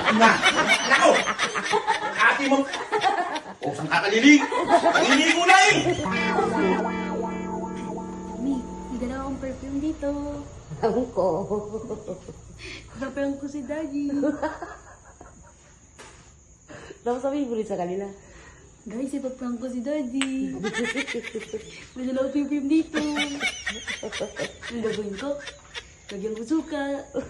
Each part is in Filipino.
Na! Nako! Ate mo! O, saan ka kalilig? Kaliligo na eh! Mami, may dala akong perfume dito. Alam ko. Kapayang ko si Daddy. Tapos sabihin mo rin sa kanila. Guys, ipaprank ko si Daddy. May dala akong perfume dito. Ang gagawin ko, lagyan ko suka.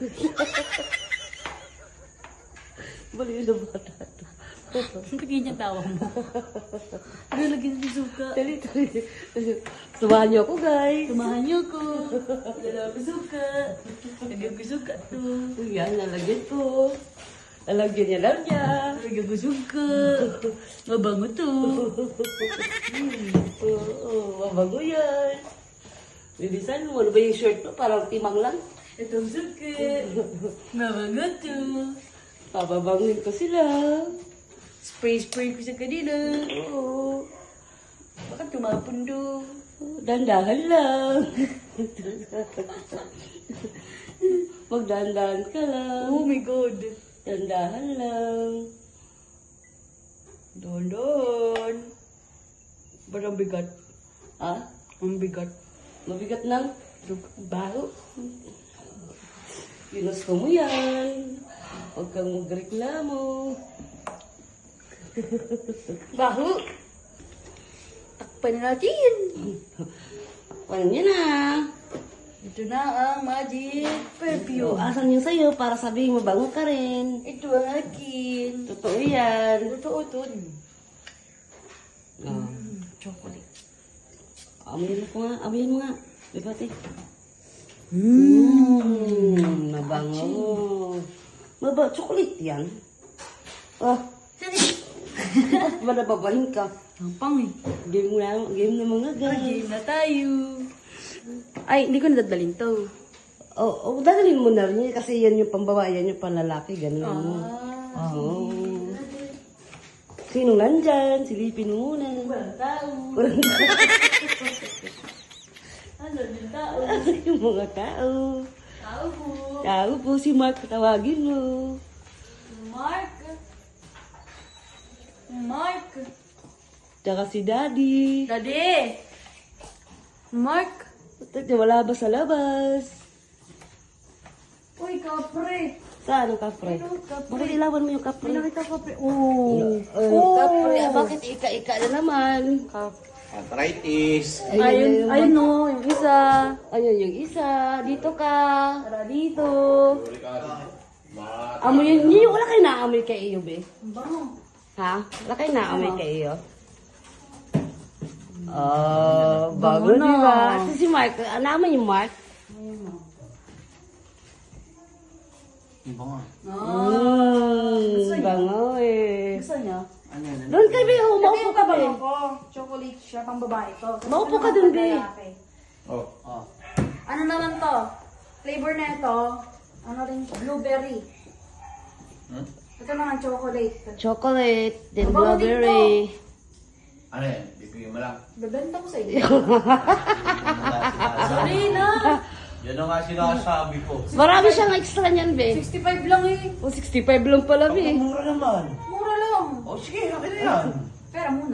Baliw na bata to. Ang ganyan tawa mo. Lagyan ko suka. Dali. Samahan niyo ako, guys. Tumahan niyo ko. Dala ko suka. Lagyan ko suka to. Yan, lalagyan ko. Lalagyan niya lang niya. Lagyan ko suka. Mabango to. Oo, mabago yan. Bilisan mo, ano ba yung shirt mo? Parang timang lang. Itong suka. Mabango to. Pababangin ko sila. Spray ko sa kanila. Oo. Bakit tumapon do? Dandahan lang. Magdandahan ka lang. Oh my God. Dandahan lang. Don. Ba't ang bigat? Ha? Ang bigat. Mabigat ng baho. Ginusto mo yan. Huwag kang magreklamo. Baho. Takpan na natin. Paano niya na? Ito na ang magic perfume. Asan yung sa'yo para sabihin mabango ka rin. Ito ang akin. Totoo yan. Totoo to. Chocolate. Amoyin mo nga. Amoyin mo nga. Bibati. Mabango. Chocolate yan. Ah. Ba nababahin ka? Ang pang eh. Game na mga guys. Game na tayo. Ay, hindi ko nadadalhin to. Oh, dadalhin mo na rin yun kasi yan yung pambabae, yan yung panlalaki. Ganun mo. Oo. Sinong nandyan? Silipin mo muna. Walang tao. Ano yung tao? Yung mga tao. Tao po. Tao po si Mark, tawagin mo. Mark. Tsaka si Daddy. Daddy. Mark. Wala ba sa labas? Uy, kapre. Saan ang kapre? Ano, kapre? Bakit ilawan mo yung kapre? May nakita kapre. Oh. Kapre, bakit ika-ika na naman? Arthritis. Ayun no, yung isa. Ayun yung isa. Dito ka. Tara dito. Amoy yun. Wala kayo naamoy kay iyo, be? Ang bango. Ha? Wala kayo naamoy kay iyo? Bago na. diba? Kasi si Mark, naamoy yung Mark? Iba nga. Bango eh. Gusto niya? Ano yan? Doon kayo, be. Maupo ka, be. ko. Chocolate siya, pang babae to. Maupo ka dun, be. Oh. Ano naman to? Flavor na ito, ano rin, blueberry. Hmm? Ito naman chocolate. Chocolate, then Mabango din blueberry. Ano yan? Bibigyan mo lang. Bebenta ko sa inyo. Sorry na. Yan ang nga sinasabi ko. Marami siyang extra niyan, be. 65 lang eh. O, 65 lang pala, be. Mura naman. Mura lang. O sige, akin na yan. Pera muna.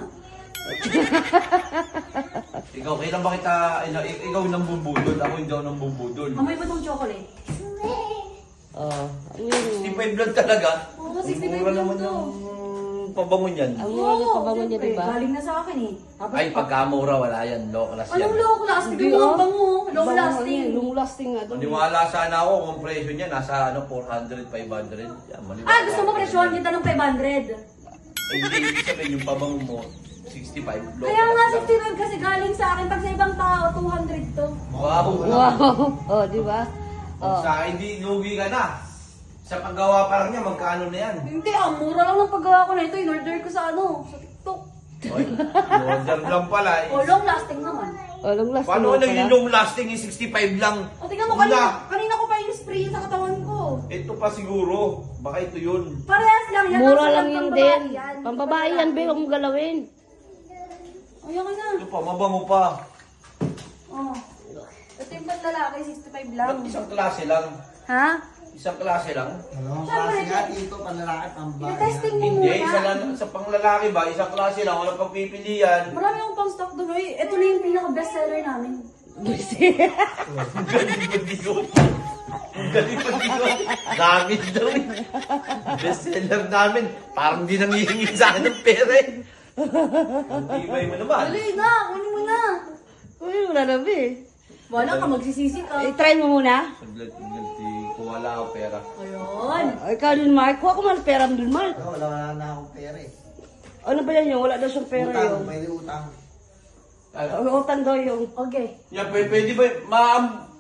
Ikaw, kailan ba kita, ikaw nang bubudol, ako hindi ako nang bubudol. Amoy ba tong chocolate? Oh, ano yun? 65 lang talaga. Oo, 65 Mura lang naman to. yung pabangon yan. Ang mura na pabango niya, siyempre, diba? galing na sa akin eh. Ay, pagkamura, wala yan. Low class yan. Anong low lasting? Yung mga bango. Long lasting. Long lasting nga. Maniwala sana ako kung presyo niya nasa 400, 500. Yan, maniwala. Ah, gusto mo presyohan kita ng 500. Hindi, ibig sabihin yung pabango mo, 65. Low Kaya nga class lang. 65 kasi galing sa akin. Pag sa ibang tao, 200 to. Wow. Wow! Oh, di ba? Kung sa akin, hindi lugi ka na. Sa paggawa pa lang niya, magkano na yan? Hindi, ang mura lang ng paggawa ko na ito. In-order ko sa sa TikTok. Oy, order lang pala. O, long lasting naman. Oh, long lasting. Paano nga naging pala. long lasting yung 65 lang? O, tingnan mo, Una. kanina ko pa yung spray sa katawan ko. Ito pa siguro. Baka ito yun. Parehas lang yan. Mura Ang lang sarap yun ng din. babae yan. Pambabae yan, be. Huwag mong galawin. Ay, okay na. Ito pa, mabango pa. Oh. Ito yung panlalaki, 65 lang. Ba't isang klase lang? Ha? Isang klase lang. Dalawang klase nga dito, panlalaki, pambahay. Testing mo Hindi, muna. isa lang, sa panglalaki ba? Isang klase lang, walang pagpipilian. Marami akong pang stock doon. Uy, ito na yung pinaka-best seller namin. Ang galing mag-disot. Ang galing mag-disot. Namin daw eh. Bestseller namin. Parang di nangihingi sa akin ng pera eh. Ang tibay mo naman. Dali na, kunin mo na. Uy, wala na ba eh. Wala ka, magsisisi ka. I-try mo muna. Saglit, kung wala ako pera. Ayun. Ikaw din, Mark. Kuha ko man pera mo dun, Mark. Wala na akong pera eh. Ano ba yan yung? Wala daw siyang pera Utang, yung. may utang. Utang daw yung. Okay. Yan, pwede ba? Ma'am,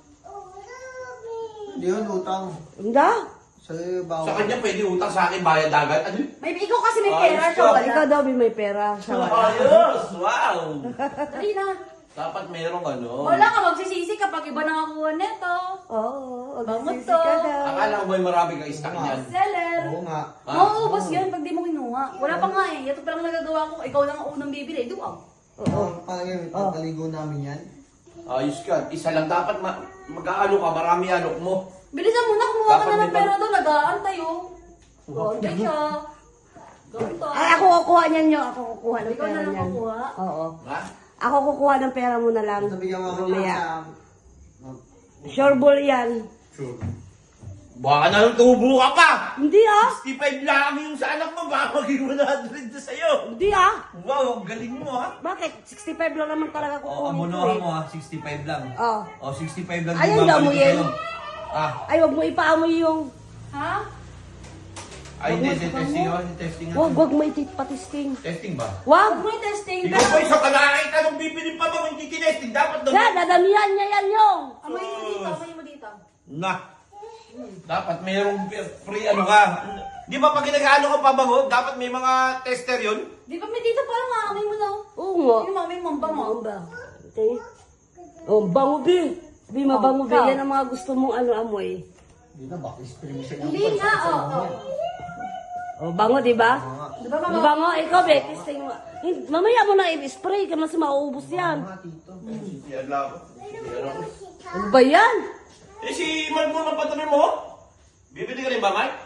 Hindi yun, utang. Hindi. Sa bawal. sa kanya pwede utang sa akin bayad agad. Ano yun? May ikaw kasi may Ayos pera, ka. siya wala. Ikaw daw may pera. Siya wala. Ayos! Wow! Dali na. Dapat merong ano. Wala ka, magsisisi kapag iba nakakuha neto. Oo. Bangot Magsisi to. ka daw. Akala ko ba marami kang stock niyan? Seller. Oo nga. Mauubos yan pag di mo kinuha. Wala pa nga eh. Ito pa lang nagagawa ko. Ikaw lang ang unang bibili. Duwag. Oo. Palagay, pagkaligo namin yan. Ayos ka. Isa lang dapat mag-aalok ka. Marami alok mo. Bilisan mo na, kumuha ka Dapat na ng may pera doon. Nag-aantay oh. Okay siya. Ganito. Ay, ako kukuha niyan yung. Ako kukuha ng Ikaw pera na lang niyan. kukuha. Oo. Ha? Ako kukuha ng pera mo na lang. Nabigyan mo ako Mamaya. sa... Sure ball yan. Sure. Baka na lang tubo ka pa! Hindi ah. 65 lang yung sa anak mo. Baka maging 100 na sa'yo. Hindi ah. Wow, ang galing mo ha. Bakit? 65 lang naman talaga O, kukunin ko amunuhan eh. mo ha. 65 lang. Oh. O, 65 lang. Ayaw yung daw babalik mo ko yan. sa'yo. Ah, Ay, wag mo ipaamoy yung. Ha? ay, hindi. Testing ako. Testing ako. Wag mo ipatisting. Testing ba? Wag. Huwag mo yung testing. Ikaw ba isang kalakita nung bibili pa ba kung hindi tinesting? Dapat daw. Kaya, dadamihan niya yan yung. Amoy mo dito, amoy mo dito. Na. Dapat mayroong free ano ka. Di ba pag ginagaano ka pabango, dapat may mga tester yun? Di ba may dito parang amoy mo na. Oo nga. Yung amoy mo, ang bango. Oo ba? Okay. Oh, bango din. Di mabango Oh, din. ikaw. Yan ang mga gusto mong ano amoy. Hindi na, baka spring siya. Hindi nga, oh. Oh, bango, di ba? Di ba mga... Bango, ikaw, be, testing mo. Mamaya mo na i-spray ka, mas mauubos yan. Mga tito. Yan lang. Ano ba yan? Eh si Mark mo ng patabi mo? Bibili ka rin ba, Mark?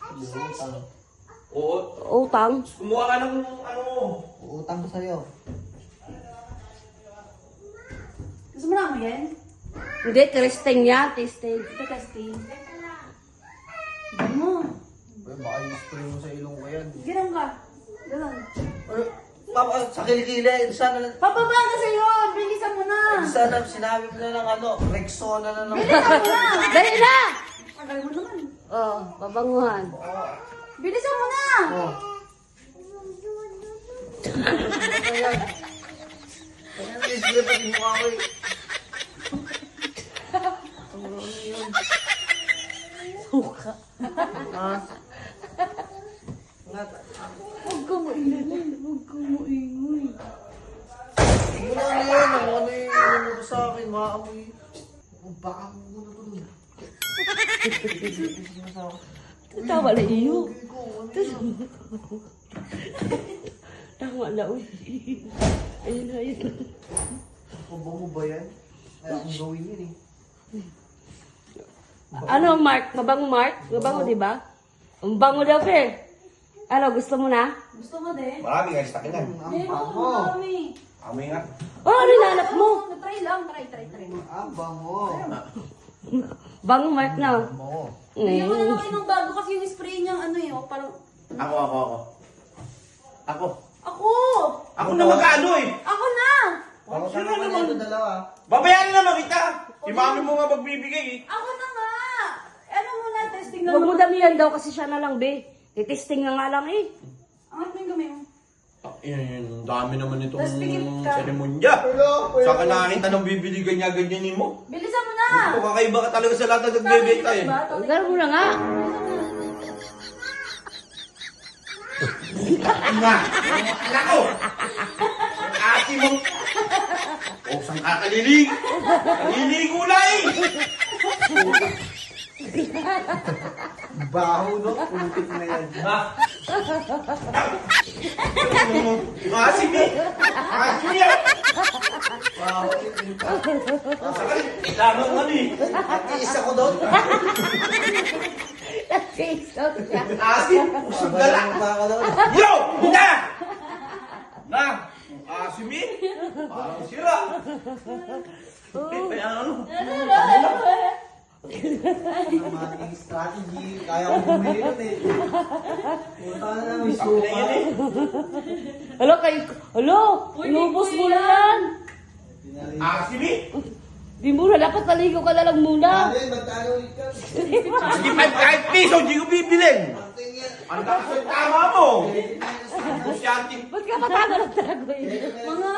Oo. Utang. Kumuha ka ng ano. Utang ko sa'yo. Gusto mo na amoy yan? Hindi, testing yan, testing. Ito testing. Bango. Baka yung spring mo sa ilong ko yan. Ganun ka. Ganun. Papa, sa kilikili, sana lang. Pababa ka sa'yo! Bilisan mo na! Sana sinabi mo na ng ano, Rexona na lang. Bilisan mo na! Dali na! Tagal mo naman. Oh, babanguhan. Bilisan mo na! Oh. Ayan. Ayan, isip pa yung mukha ko eh. Suka. Ha? Huwag ka maingay. Huwag ka maingay. Ano yan? Ano yung ano mo sa akin? Maamoy. Baka mo muna to dun. Tawa na iyo. Tama na, uy. Ayun na, ayun. Mabango ba yan? Kaya akong gawin yun eh. Ano, Mark? Mabango, Mark? Mabango, di ba? Ang bango daw, Fer. Ano, gusto mo na? Gusto mo din? Marami nga stock yan. Ang Hindi mo, bango. marami. Amoy nga. Oh, ano hinanap mo? Try lang, try. Ang bango. Bango, Mark na. Bango. Bigyan ko na lang kayo ng bago kasi yung spray niyang ano eh, oh, parang... Ako. Ako! Ako na mag-ano eh. Ako na! Ako Sino naman naman? ito dalawa. Babayaran naman kita. Si mami mo nga magbibigay eh. Ako na nga! Ano muna, testing na Huwag mo naman. damihan daw kasi siya na lang, be. Titesting na nga lang eh. Angat mo yung gamay mo. Ang dami naman itong Tapos pikit ka. seremonya. Saka nakakita ng bibili ganyan-ganyanin mo. Bilisan mo na! Ito, kakaiba ka talaga sa lahat na nagbebenta eh. Ganun mo na nga. Nga! Nako! Ang ate mo! O, saan ka kalilig? Kaliligo na eh! Baho no? Putik na yan. Ha? Maasim eh! Maasim yan! Baho. Saka, kailangan nga eh! At isa ko doon. Nag-isot siya. Asin, usog ka lang. Baka daw. Yo! Na! Na! Asim eh! Parang sira. Kaya ano? Mating strategy. Kaya ko bumili nun eh. Punta na lang, may suka. Alo, inubos mo na yan. Asim eh! Di muna, dapat naligo ka na lang muna. Alin, magkano ulit ka? Sige, kahit piso, hindi ko bibilin. Pagting yan. Ang takas ng tama mo. Kusyante. Ba't ka matagal ang tagoy? Mga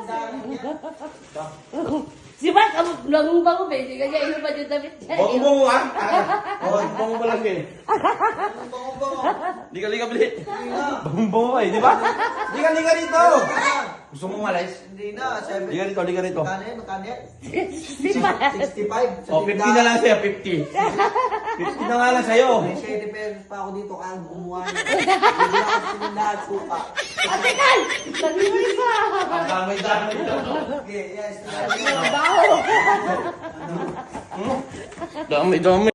Si Mark, ang bango ba? Hindi ka niya ino pa yung damit niya. Bongbong ha? Bongbong mo lang eh. Bango-bango. Liga-liga bili. Hindi na. Bongbong eh, di ba? Liga-liga rito. Gusto mo malis? Hindi na. Liga rito, liga rito. Magkano yan? Magkano yan? Si Mark. 65. O, 50 na lang sa'yo, 50. 50 na nga lang sa'yo. May 7 pesos pa ako dito kaya gumawa niya. Hindi na ako sinindahan suka. Ate Kal! Sabi mo isa! Damay-damay lang. Okay, yes. Baho! Dami-dami.